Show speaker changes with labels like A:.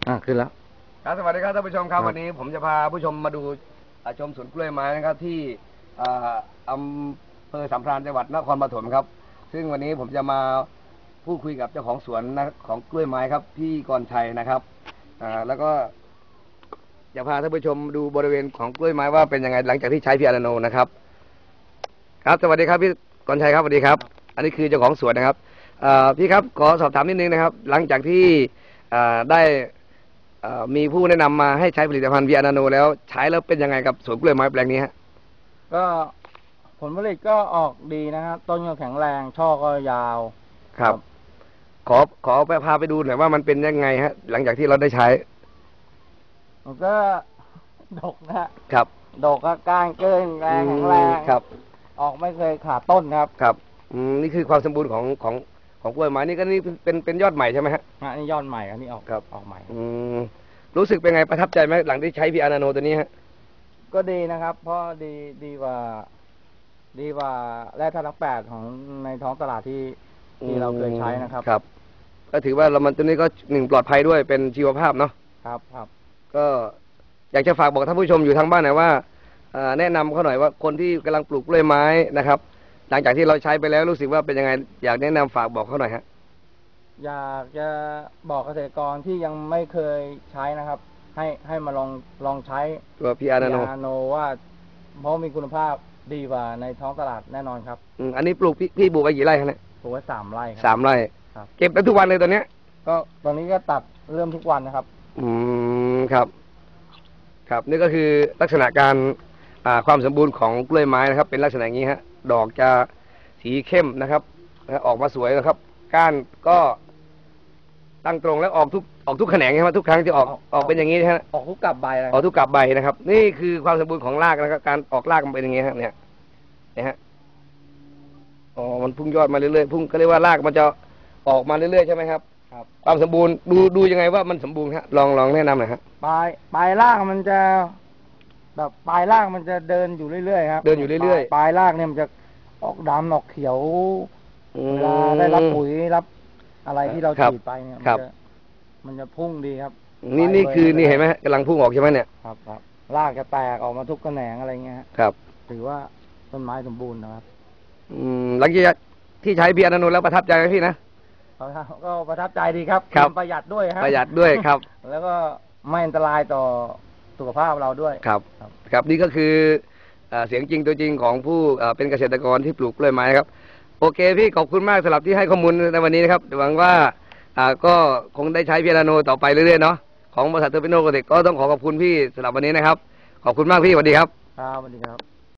A: ขึ้นแล้ว
B: ครับสวัสดีครับท่านผู้ชมครับวันนี้ผมจะพาผู้ชมมาดูชมสวนกล้วยไม้นะครับที่อำเภอสัมพรานจังหวัดนครปฐมครับซึ่งวันนี้ผมจะมาพูดคุยกับเจ้าของสวนของกล้วยไม้ครับพี่กรชัยนะครับแล้วก็จะพาท่านผู้ชมดูบริเวณของกล้วยไม้ว่าเป็นยังไงหลังจากที่ใช้พีอาร์โนนะครับครับสวัสดีครับพี่กรชัยครับสวัสดีครับอันนี้คือเจ้าของสวนนะครับพี่ครับขอสอบถามนิดนึงนะครับหลังจากที่ได้มีผู้แนะนำมาให้ใช้ผลิตภัณฑ์วีอานาโนแล้วใช้แล้วเป็นยังไงกับสวนกล้วยไม้แปลงนี้ฮะ
A: ก็ผลผลิตก็ออกดีนะครับต้นก็แข็งแรงช่อก็ยาว
B: ครับขอไปพาไปดูหน่อยว่ามันเป็นยังไงฮะหลังจากที่เราได้ใช้
A: มันก็ดกนะครับดกก็ก้านเกินแรงแข็งแรง
B: ครับ
A: ออกไม่เคยขาดต้นครับ
B: ครับนี่คือความสมบูรณ์ของกล้วยไม้นี่ก็นี่เป็นยอดใหม่ใช่ไหมฮะ
A: นี่ยอดใหม่อันนี้ออก
B: ครับ
A: ออกใหม่
B: รู้สึกเป็นไงประทับใจไหมหลังที่ใช้พีอานาโนตัวนี้ฮะ
A: ก็ดีนะครับเพราะดีกว่าแร่ธาตุทั้ง8ของในท้องตลาดที่เราเคยใช้นะครับ
B: ครับก็ถือว่ามันตัวนี้ก็1ปลอดภัยด้วยเป็นชีวภาพเนาะ
A: ครับ
B: ก็อยากจะฝากบอกท่านผู้ชมอยู่ทางบ้านหน่อยว่าแนะนำเขาหน่อยว่าคนที่กำลังปลูกกล้วยไม้นะครับหลังจากที่เราใช้ไปแล้วรู้สึกว่าเป็นยังไงอยากแนะนำฝากบอกเขาหน่อยฮะ
A: อยากจะบอกเกษตรกรที่ยังไม่เคยใช้นะครับให้มาลองใช้
B: ตัวพีอาร์นาโน
A: ว่าเพราะมีคุณภาพดีกว่าในท้องตลาดแน่นอนครับ
B: อันนี้ปลูกพี่ปลูกไปกี่ไร่ครับเนี่ย
A: ปลูกไว้3 ไร่ครับ
B: 3 ไร่ครับเก็บได้ทุกวันเลยตอนนี้
A: ก็ตอนนี้ก็ตัดเริ่มทุกวันนะครับ
B: ครับนี่ก็คือลักษณะการความสมบูรณ์ของกล้วยไม้นะครับเป็นลักษณะอย่างนี้ฮะดอกจะสีเข้มนะครับออกมาสวยนะครับก้านก็ตั้งตรงแล้วออกทุกแขนงใช่ไหมทุกครั้งที่ออกเป็นอย่างนี้นะฮะ
A: ออกทุกกาบใบ
B: ออกทุกกาบใบนะครับนี่คือความสมบูรณ์ของรากนะครับการออกรากมันเป็นอย่างนี้ฮะเนี่ยฮะมันพุ่งยอดมาเรื่อยๆพุ่งก็เรียกว่ารากมันจะออกมาเรื่อยๆใช่ไหมครับความสมบูรณ์ดูยังไงว่ามันสมบูรณ์ฮะลองแนะนำหน่อยฮะ
A: ปลายรากมันจะแบบปลายรากมันจะเดินอยู่เรื่อยๆครับ
B: เดินอยู่เรื่อย
A: ๆปลายรากเนี่ยมันจะออกดำออกเขียวเวลาได้รับปุ๋ยรับอะไรที่เราฉีดไปเนี่ยมันจะพุ่งดีครับ
B: นี่คือนี่เห็นไหมกำลังพุ่งออกใช่ไหมเนี่ย
A: ครับรากจะแตกออกมาทุกแขนงอะไรเงี้ย
B: ครับ
A: ถือว่าต้นไม้สมบูรณ์นะครับ
B: หลังจากที่ใช้เบียร์นาโนแล้วประทับใจไหมพี่นะ
A: ก็ประทับใจดีครับประหยัดด้วย
B: ประหยัดด้วยครับ
A: แล้วก็ไม่อันตรายต่อสุขภาพเราด้วย
B: ครับนี่ก็คือเสียงจริงตัวจริงของผู้เป็นเกษตรกรที่ปลูกกล้วยไม้ครับโอเคพี่ขอบคุณมากสำหรับที่ให้ข้อมูลในวันนี้นะครับหวังว่าก็คงได้ใช้พีอาร์โนต่อไปเรื่อยๆเนาะของบริษัทเทอร์มิโนโกเทคก็ต้องขอบคุณพี่สำหรับวันนี้นะครับขอบคุณมากพี่สวัสดีครับ
A: สวัสดีครับ